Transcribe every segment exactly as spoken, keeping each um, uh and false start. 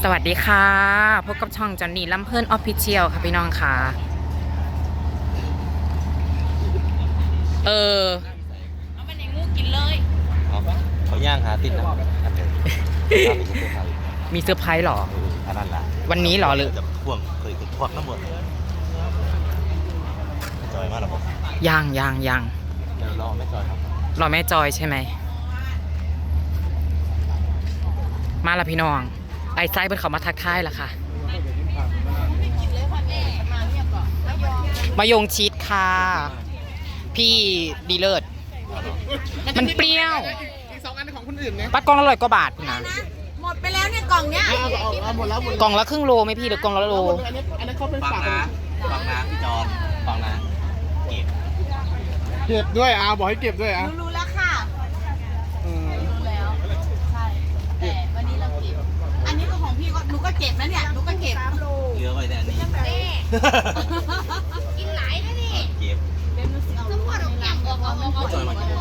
สวัสดีค่ะพบกับช่องจอนนี่ลำเพลินออฟฟิเชียลค่ะพี่น้องค่ะเออเอามันอย่างงูกินเลยเขาย่างหาติดนะมีเซอร์ไพรส์หรออันนั้นละวันนี้หรอหรือพ่วงเคยติดพวกน้ำมันจอยมากหรอผมยังยังยังเดี๋ยวรอแม่จอยครับรอแม่จอยใช่ไหมมาละพี่น้องไอ้ไซเป็นเขามาทักทายละค่ะมายงชีสค่ะพี่ดีเลิศมันเปรี้ยวอีกสองอันของคนอื่นเนี่ยปัดกล่องละร้อยกว่าบาทนะหมดไปแล้วเนี่ยกล่องเนี้ยหมดแล้วหมดกล่องละครึ่งโลไหมพี่หรือกล่องละโลอันนี้อันนี้เขาเป็นฟังฝากนะฟังนะพี่จอนฟังนะเก็บเก็บด้วยอาบอกให้เก็บด้วยอ่ะรู้แล้วค่ะรู้แล้วใช่แต่วันนี้เราเก็บอันนี้ก็ของพี่ก็หนูก็เก็บนะเนี่ยหนูก็เก็บเหลือไว้แต่อันนี้กินหลายนะนี่เก็บน้ำพอดอกอย่างออกออกออกจอยมากิน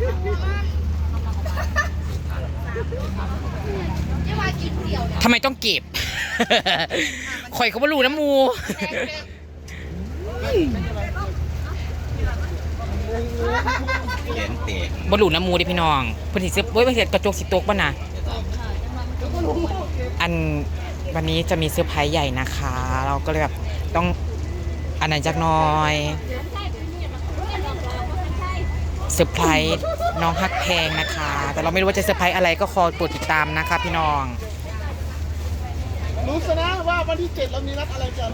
ทำไมต้องเก็บข่อยเขาไม่รู้นะมูเขียนเตะบรูน้ำมูดิพี่น้องพอดีซื้อเว้ยไม่เสร็จกระจกสิตกป่ะนะอันวันนี้จะมีเซอร์ไพรส์ใหญ่นะคะ เราก็เลยแบบต้องอันไหนจักหน่อยเซอร์ไพรส์น้องฮักแพงนะคะแต่เราไม่รู้ว่าจะเซอร์ไพรส์อะไรก็คอยโปรดติดตามนะคะพี่น้องรู้ซะนะว่าวันที่เจ็ดเรามีนัดอะไรกัน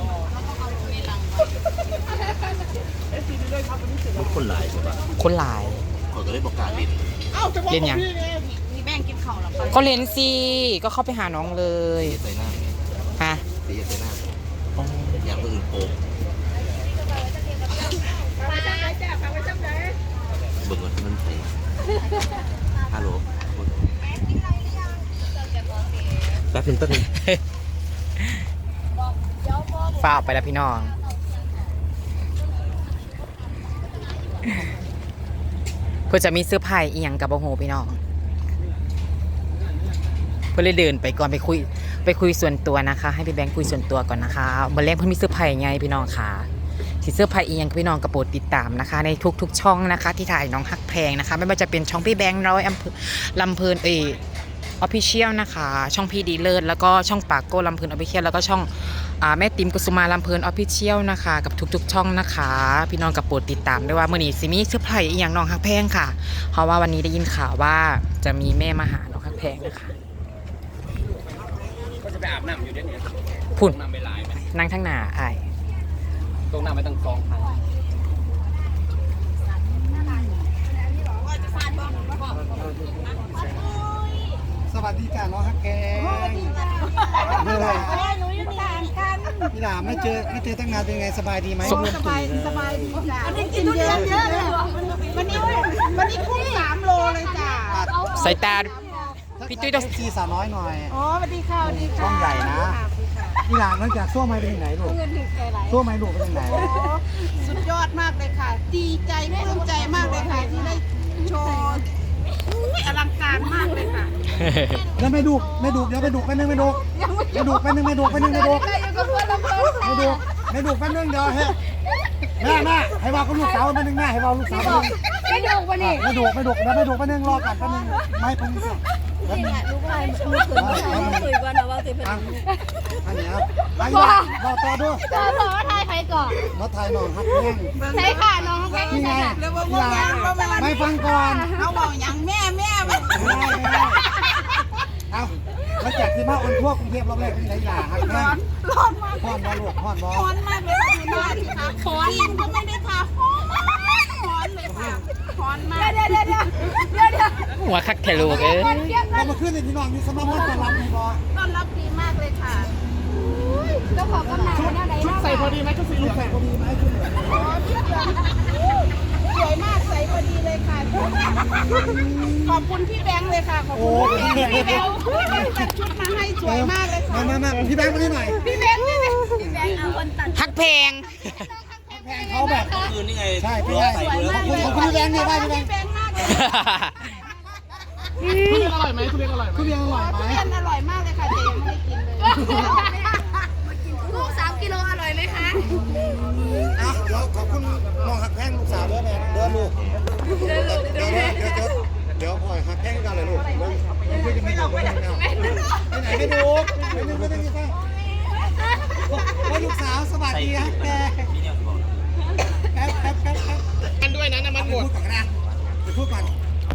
เอฟซีดีเลยครับวันที่เจ็ดคนหลายใช่ปะคนหลายคนก็เลยบอกการเล่นเอ้าจะบอกพี่ไงมีแบ่งกินข้าวหรอก็เล่นสิก็เข้าไปหาน้องเลยใส่หน้าฮะตีใส่หน้าอย่างอื่นโกงเบิ่งว่ามันใส่ฮัลโหลแป๊บนึงแป๊บนึงฝ้าไปแล้วพี่น้องเพื่อจะมีเสื้อผ้าอีหยังกับโอโหพี่น้องเพื่อเลยเดินไปก่อนไปคุยไปคุยส่วนตัวนะคะให้พี่แบงค์คุยส่วนตัวก่อนนะคะเมื่อแรกเพื่อนมีเสื้อผ้าไงพี่น้องค่ะที่เสื้อผ้าอีหยังพี่น้องกระโปรดติดตามนะคะในทุกๆช่องนะคะที่ถ่ายน้องฮักแพงนะคะไม่ว่าจะเป็นช่องพี่แบงค์ร้อยอำเภอลำเพลินเอออฟฟิเชียลนะคะช่องพี่ดีเลิศแล้วก็ช่องปากโก้ลำเพลินออฟฟิเชียลแล้วก็ช่องแม่ติ๋มกุสุมาลำเพลินออฟฟิเชียลนะคะกับทุกๆช่องนะคะพี่น้องกับโปรดติดตามด้วยว่าเมื่อนี้ซิมีเสื้อผ้าอีกอย่างน้องฮักแพงค่ะเพราะว่าวันนี้ได้ยินข่าวว่าจะมีแม่มาหาน้องฮักแพงนะคะก็จะไปอาบน้ำอยู่เดี๋ยวนี้พุ่นน้ำไปหลายไหมนั่งทั้งหน้าไอ้ตรงน้ำไม่ต้องกองพันสวัสดีจ้าน้องฮักแกงเมื่อไรหนูอยู่ต่างกันพี่หลามไม่เจอไม่เจอตั้งนานเป็นไงสบายดีไหมสบายสบายดีจ้าวันนี้กินทุเรียนเยอะเลยวันนี้วันนี้พุ่งสามโลเลยจ้าสายตาพี่จุ้ยต้องซีสาวน้อยหน่อยอ๋อสวัสดีค่ะสวัสดีค่ะช่องใหญ่นะพี่หลามนอกจากซั่วไม้เป็นยังไงลูกซั่วไม้ลูกเป็นยังไงสุดยอดมากเลยค่ะดีใจปลื้มใจมากเลยค่ะที่ได้โชว์อลังการมากเลยค่ะแล้วไม่ดูไม่ดูเดี๋ยวไม่ดูไปนึงไม่ดูไม่ดูไปนึงไม่ดูไปนึงไม่ดูไม่ดูไม่ดูไปนึงเดี๋ยวเฮ้แม่แม่ให้บอกกับลูกสาวไปนึงแม่ให้บอกลูกสาวไม่ดูวันนี้ไม่ดูไม่ดูแล้วไม่ดูไปนึงรอกันไปนึงไม่ไปนึงแล้วนี่ลูกชายลูกเขยลูกเขยก่อนนะว่าเขยเป็นอันนี้ครับไปรอต่อดูต่อต่อไทยใครก่อนรถไทยน้องฮักแห้งใช่ค่ะน้องฮักแห้งนี่ไงไม่ฟังก่อนเอาบอกอย่างแม่แม่ไม่ได้ไม่ได้เอาแล้วจากที่มาอุ่นทั่วกรุงเทพรอบแรกเป็นไรอย่าฮักแห้งร้อนมากร้อนบอลลูกร้อนบอลร้อนมากเลยค่ะดูหน้าดิค่ะร้อนก็ไม่ได้ค่ะร้อนร้อนเลยค่ะร้อนมากเดี๋ยวเดี๋ยวเดี๋ยวเดี๋ยวเดี๋ยวหัวคักเทลูกเอ้ยเรามาขึ้นในที่นอนมีสมาร์ทต้อนรับในบอลต้อนรับดีมากเลยค่ะเจ้าของกำลังเนี่ยไหนชุดใส่พอดีไหมชุดสีใส่พอดีไหมชุดสวยมากใส่พอดีเลยค่ะขอบคุณพี่แบงค์เลยค่ะขอบคุณพี่แบงค์ตัดชุดมาให้สวยมากเลยค่ะมามามาพี่แบงค์มาที่หน่อยพี่แบงค์พี่แบงค์พี่แบงค์เอาคนตัดฮักแพงแพงเขาแบบคืนนี่ไงใช่พี่แบงค์ขอบคุณพี่แบงค์เนี่ยได้พี่แบงค์ทุเรียนอร่อยไหมทุเรียนอร่อยไหมทุเรียนอร่อยไหมทุเรียนอร่อยมากเลยค่ะเจ๊ยังไม่ได้กินเลยลูกสามกิโลอร่อยไหมคะอ่ะเดี๋ยวขอบคุณน้องหักแพงลูกสาวด้วยแม่เดินลูกเดี๋ยวเดี๋ยวเดี๋ยวเดี๋ยวเดี๋ยวพ่อหักแพงกันเลยลูกเดี๋ยวคุยกันไม่ถูกไม่ถูกไปไหนไม่ถูกไม่ถูกไม่ต้องมีใครว่าลูกสาวสวัสดีครับแกแป๊บแป๊บแป๊บแป๊บกันด้วยนะน้ำมันหมดพูดก่อนนะไปพูดก่อน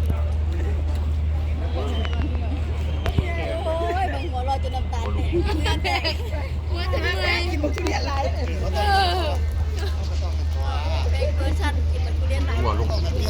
โอ้ยบางหัวเราจะน้ำตาลแตกน้ำตาลแตกว่าจะไม่เลยกินทุเรียนไรเป็นเวอร์ชันกินมันทุเรียนไรหัวลูก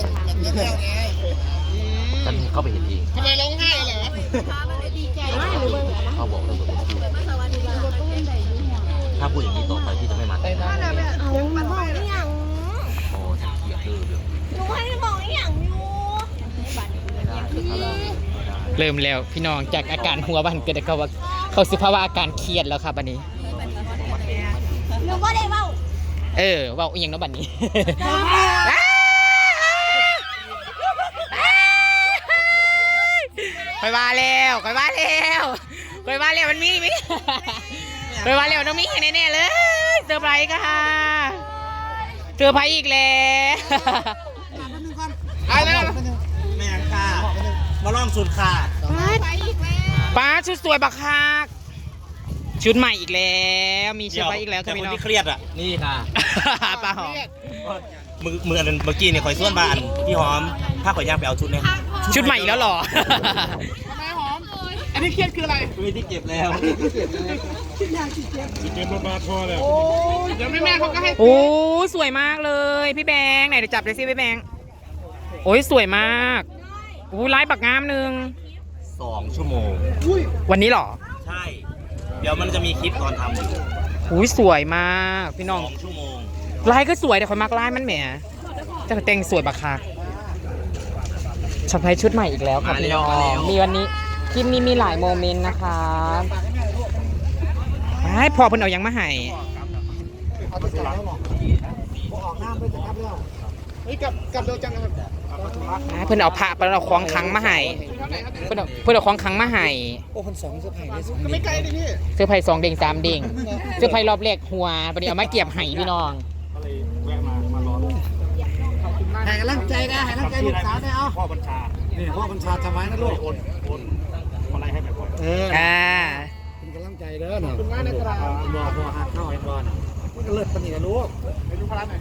ฉันเข้าไปเห็นเองทำไมร้องไห้เหรอพามันเลยดีใจมากหรือเปล่าเขาบอกเลยว่าพูดมาสวัสดีค่ะต้นใหญ่ยุ่งหัวถ้าพูดอย่างนี้ต่อไปพี่จะไม่มาแต่งงานเอามันบอกได้ยังโอ้ฉันเกลียดเลยเรื่องหนูให้บอกได้ยังอยู่ไม่ได้ไม่ได้เริ่มแล้วพี่น้องจากอาการหัวบันเกิดเขาว่าเขาสิภาวะอาการเครียดแล้วครับบัดนี้หนูก็ได้เบ้าเออเว่าอีหยังเนาะบัดนี้ คอยว่าแล้วคอยว่าแล้วคอยว่าแล้วมันมีมิคอยว่าแล้วต้องมีแน่ๆเลยเซอร์ไพรส์ค่ะเซอร์ไพรส์อีกแล้วไอ้แล้วแม่ค่ะมาลองสุดค่ะไปอีกแล้วป้าชุดสวยบักคักชุดใหม่อีกแล้วมีเซอร์ไพรส์อีกแล้วค่ะพี่น้องที่เครียดอ่ะนี่ค่ะป้าหอมมือมืออันเมื่อกี้เนี่ยคอยส่วนบ้านพี่หอมถ้าขอยย่างไปเอาชุดเนี่ยชุดใหม่อีกแล้วเหรอทำไมหอม อันนี้เครียดคืออะไรไม่ที่เก็บแล้วโอ้ยเดี๋ยวแม่แม่เขาก็ให้โอ้สวยมากเลยพี่แบงค์ไหนเดี๋ยวจับเลยสิพี่แบงค์โอ้ยสวยมากโอ้ยไลฟ์บักงามหนึ่งสองชั่วโมงวันนี้เหรอใช่ เดี๋ยวมันจะมีคลิปตอนทำอยู่โอ้ยสวยมากพี่น้องสองชั่วโมงไลฟ์ก็สวยแต่คนมากไลฟ์มันแหมจะแต่งสวยบักคักช็อปไพชุดใหม่อีกแล้วครับพี่น้องมีวันนี้คลิปนี้มีหลายโมเมนต์นะคะให้พอเพิ่นเอายังมาให้เอาไปจับแล้วหรอออกน้ำไปจับแล้วเฮ้ยกลับกลับเร็วจังครับให้เพิ่นเอาผ้าเพิ่นเอาของคลังมาให้เพิ่นเอาเพิ่นเอาของคลังมาให้โอ้คนสองเสื้อผ้าได้สองก็ไม่ไกลดิพี่เสื้อไผ่สองเด้งสามเด้งเสื้อไผ่รอบแรกหัวปนี้เอามาเก็บให้พี่น้องให้กำลังใจนะให้กำลังใจลูกสาวได้เอาพ่อบัญชานี่พ่อบัญชาทำไมนะลูกโอนโอนอะไรให้แบบเอออ่าเป็นกำลังใจเด้อหน่อยคุณว่าในตลาดรอพอหักเข้าไอ้บอลมันก็เลิศปนี่นะลูกไปดูพลังหน่อย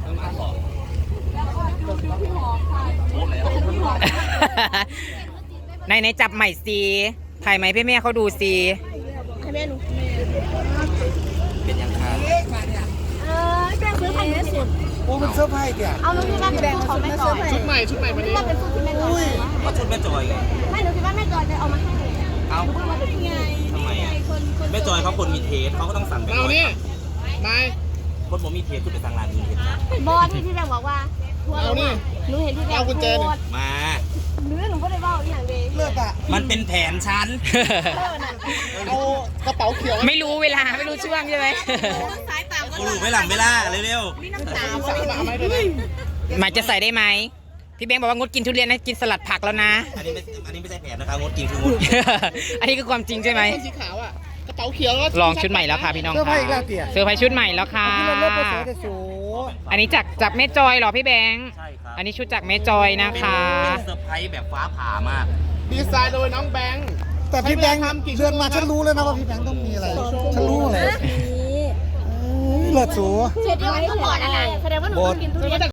ในในจับใหม่สิถ่ายไหมพี่แม่เขาดูสิให้แม่หนูเป็นยังค่ะเออแป้งซื้อพันธุ์สุดโอ้มันเสื้อผ้าเกี่ยเอาหนูคิดว่าเป็นของแม่จอยชุดใหม่ชุดใหม่วันคิดนี้ว่าเป็นสูตรที่แม่จอยก็ชุดแม่จอยไงไม่หนูคิดว่าแม่จอยจะเอามาให้เอ้าหนูพูดว่าเป็นไงทำไมอ่ะคนคนแม่จอยเขาคนมีเทสเขาก็ต้องสั่งแบบเอานี่นายคนผมมีเทสคือไปสั่งร้านมีเทสบอสที่พี่แบงค์บอกว่าทัวร์ลงมาหนูเห็นพี่แบงค์โพสต์มาหนูหนูก็เลยบอกอย่างเดียวเลิศอ่ะมันเป็นแผนฉันเอากระเป๋าเขียวไม่รู้เวลาไม่รู้ช่วงใช่ไหมสายตามก็กูรู้ไม่หลังเวลาเร็วมีน้ำตาสั่งมาไหมด้วยหมายจะใส่ได้ไหมพี่แบงค์บอกว่างดกินทุเรียนนะกินสลัดผักแล้วนะๆอันนี้ไม่อันนี้ไม่ใช่แผนนะคะงดกินคืองดอันนี้คือความจริงใช่ไหมคนสีขาวอ่ะกระเป๋าเขียวลองชุดใหม่แล้วค่ะพี่น้องเสื้อผ้าค่ะอีกแล้วเตี่ยเสื้อผ้าชุดใหม่แล้วค่ะที่เราเลิศไปสวยแต่สูอันนี้จากจากแม่จอยเหรอพี่แบงค์ใช่ครับอันนี้ชุดจากแม่จอยนะคะเป็นเซอร์ไพรส์แบบฟ้าผ่ามากดีไซน์โดยน้องแบงค์แต่พี่แบงค์เดือนมาฉันรู้เลยนะว่าพี่แบงค์ต้องมีอะไรฉันรู้เลยเลิศสูเสร็จแล้วก็บอกอะไรแสดงว่าหนูต้องกินทุเรียน